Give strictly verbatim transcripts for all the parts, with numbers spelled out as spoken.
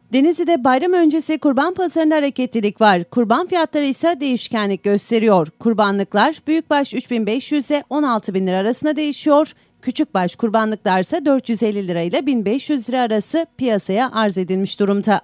Denizli'de bayram öncesi kurban pazarında hareketlilik var. Kurban fiyatları ise değişkenlik gösteriyor. Kurbanlıklar büyükbaş üç bin beş yüz ile on altı bin lira arasında değişiyor. Küçükbaş kurbanlıklar ise dört yüz elli lira ile bin beş yüz lira arası piyasaya arz edilmiş durumda.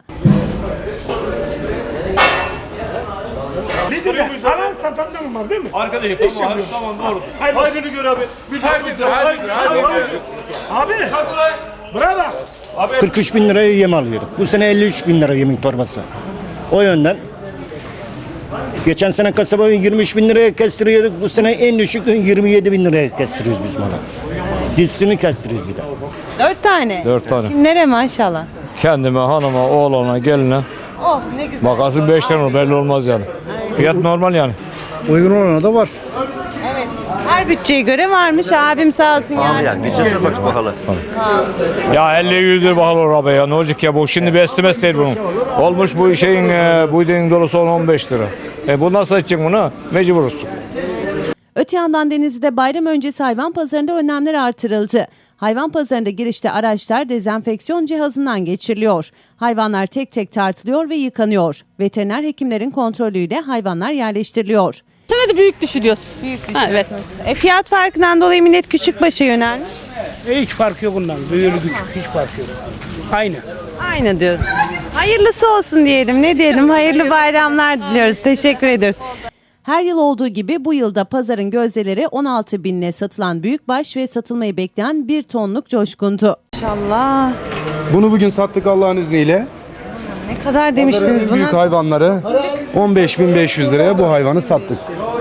Nedir de? Alan satan da mı var değil mi? Arkadaşım İş tamam, yapıyoruz. tamam doğru. Hayrını gör abi. Bir hayrını gör. Abi. Bravo. kırk üç bin liraya yem alıyorduk. Bu sene elli üç bin lira yemin torbası. O yönden. Geçen sene kasaba yirmi üç bin liraya kestiriyorduk. Bu sene en düşük yirmi yedi bin liraya kestiriyoruz biz malı. Dizisini kestiriyoruz bir de. Dört tane. Dört tane. Kimlere maşallah. Kendime, hanıma, oğlana, geline. Oh ne güzel. Makası beş tane olur, belli olmaz yani. Fiyat normal yani. Uygun olana da var. Evet. Her bütçeye göre varmış. Abim sağ olsun yardım. Bütçesine bak bakalım. Ya elli yüz lira bahalı olur abi ya. Ne olacak ya bu? Şimdi bir estimesi değil bunun. Olmuş bu şeyin, e, bu dediğin dolusu on on beş lira. E bu nasıl edecek bunu? Mecburuz. Öte yandan Denizli'de bayram öncesi hayvan pazarında önlemler artırıldı. Hayvan pazarında girişte araçlar dezenfeksiyon cihazından geçiriliyor. Hayvanlar tek tek tartılıyor ve yıkanıyor. Veteriner hekimlerin kontrolüyle hayvanlar yerleştiriliyor. Sana da büyük düşürüyoruz. Büyük Ha, evet. E, fiyat farkından dolayı millet küçükbaşa yönelmiş. Hiç fark yok bundan. Büyür güç hiç fark yok. Aynı. Aynı diyorsun. Hayırlısı olsun diyelim. Ne diyelim? Hayırlı bayramlar diliyoruz. Teşekkür ediyoruz. Her yıl olduğu gibi bu yılda pazarın gözdeleri on altı binle satılan büyükbaş ve satılmayı bekleyen bir tonluk coşkundu. İnşallah. Bunu bugün sattık Allah'ın izniyle. Ne kadar demiştiniz Büyük buna? hayvanları on beş bin beş yüz liraya bu hayvanı sattık.